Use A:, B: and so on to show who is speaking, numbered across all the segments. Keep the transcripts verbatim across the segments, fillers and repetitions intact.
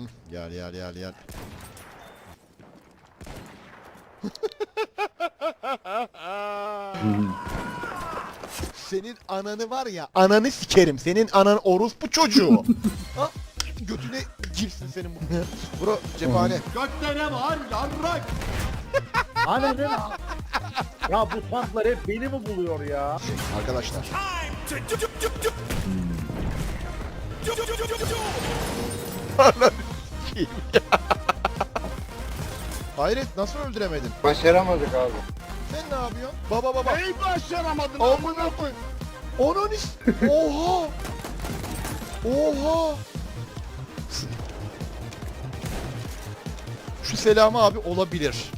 A: Gel gel gel gel. Senin ananı var ya, ananı sikerim. Senin anan orospu çocuğu. Ha? Götüne girsin senin bu. Bro cephane.
B: Gökte ne var yarrak?
C: Hani ne? Ya bu tanklar hep beni mi buluyor ya?
A: Arkadaşlar. Hayret, nasıl öldüremedin?
D: Başaramadık abi.
A: Sen ne yapıyorsun? Baba baba.
B: Neyi başaramadın?
A: Amına koy. Onun is. Oha. Oha. Şu Selami abi olabilir.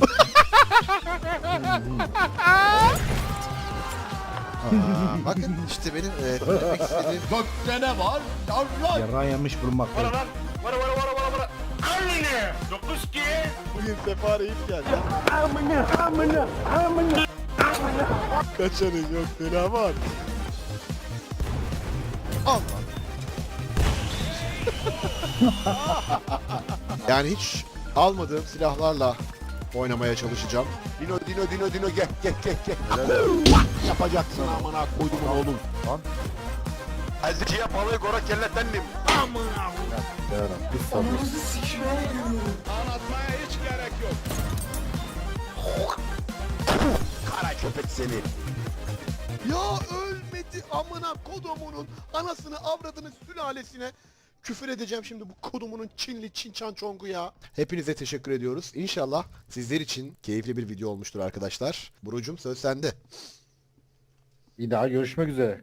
A: Aa, bakın işte benim e, söylemek istediğim.
B: Gökte ne var yarrak?
C: Yarrağı yemiş bulunmaktayım.
B: Vara lan. Vara vara vara vara vara. Annene. Dokuz ki.
A: Bugün Sefa Reis geldi.
C: Amına amına amına.
A: Kaçarız yok Selami abi. Al lan. Yani hiç almadığım silahlarla oynamaya çalışacağım.
B: Dino Dino Dino Dino gel gel gel gel. Yapacaksın amına koydumun oğlum.
C: Lan.
B: Azıcıya balığı gora kellettendim. Amına.
C: Bir sabır.
B: Anlatmaya hiç gerek yok. Kara köpek seni.
A: Ya ölmedi amına kodumunun anasını avradını sülalesine. Küfür edeceğim şimdi bu kodumunun Çinli Çinçan Çongu ya. Hepinize teşekkür ediyoruz. İnşallah sizler için keyifli bir video olmuştur arkadaşlar. Burucum söz sende.
C: Bir daha görüşmek üzere.